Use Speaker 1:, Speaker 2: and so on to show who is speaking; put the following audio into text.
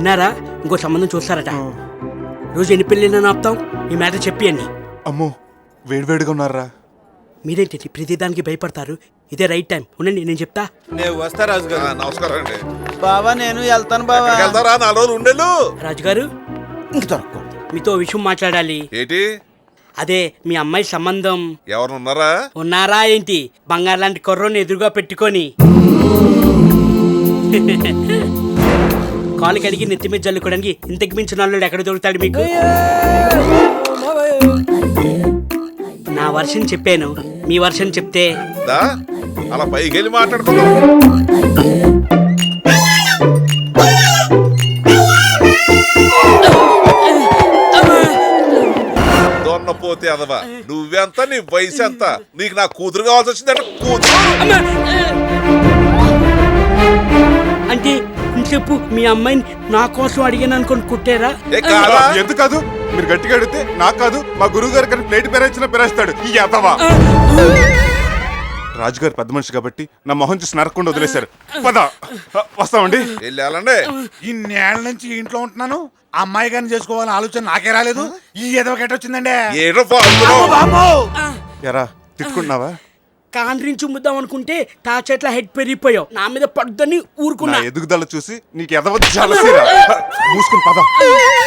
Speaker 1: విన్నారా? ఇంకో సంబంధం చూస్తారట. రోజు ఎన్ని పెళ్ళిళ్ళని ఆపుతాం? ఈ మ్యాటర్ చెప్పి అన్ని.
Speaker 2: అమ్మో వేడివేడిగా ఉన్నారా?
Speaker 1: మీరేంటి ప్రతిదానికి భయపడతారు? ఇదే రైట్ టైం. ఉండండి నేను చెప్తా.
Speaker 3: నేను వస్తా రాజు గారు.
Speaker 4: నమస్కారం అండి.
Speaker 3: బావా నేను వెళ్తాను బావా.
Speaker 4: వెళ్తారా? 4 రోజులు ఉండేళ్ళు.
Speaker 1: రాజుగారు
Speaker 3: ఇంక దొరకదు.
Speaker 1: మీతో విషయం మాట్లాడాలి.
Speaker 4: ఏంటి?
Speaker 1: అదే మీ అమ్మాయి సంబంధం.
Speaker 4: ఎవరు ఉన్నారా?
Speaker 1: ఉన్నారా ఏంటి? బంగారు లాంటి కుర్రోని ఎదురుగా పెట్టుకొని కాలు కడిగి నెత్తి మీద జల్లుకోవడానికి ఇంతకు మించిన వాళ్ళు ఎక్కడ దొరుకుతాడు మీకు? నా వర్షన్ చెప్పాను, మీ వర్షన్ చెప్తే
Speaker 4: దా అలా పైకి వెళ్ళి మాట్లాడుకుందాం. దొన్నపోతే అదవా, నువ్వెంత, నీ వయసు ఎంత? నీకు నా కూతురు కావాల్సి వచ్చిందంటే కూతురు.
Speaker 1: అంటే చెప్పు, మీ అమ్మాయిని నా కోసం అడిగాను అనుకుని కుట్టారా?
Speaker 2: ఎందుకు కాదు? మీరు గట్టిగా అడిగితే నాకు కాదు, మా గురువు గారు కానీ ప్లేట్ పెరేచ్చినా పెరేస్తాడు ఈ యాతవా. రాజుగారు పెద్ద మనిషి కాబట్టి నా మొహం చూసి నరకుండా వదిలేశారు. పద వస్తామండి.
Speaker 4: వెళ్ళాలండి.
Speaker 5: ఇన్నేళ్ల నుంచి ఇంట్లో ఉంటున్నాను, అమ్మాయి గారిని చేసుకోవాలని ఆలోచన నాకే రాలేదు. ఈ ఎదవ వచ్చిందండి.
Speaker 4: ఏడో ఫాల్తులో.
Speaker 2: ఎరా తిట్టుకుంటున్నావా?
Speaker 1: కాండ్రించి ముద్దాం అనుకుంటే తా చెట్ల హెడ్ పెరిగిపోయావు. నా మీద పడుద్దని
Speaker 2: నా
Speaker 1: ఊరుకున్నా.
Speaker 2: ఎదుగుదల చూసి నీకు ఎదవ జలసిరా. మూసుకుని పద.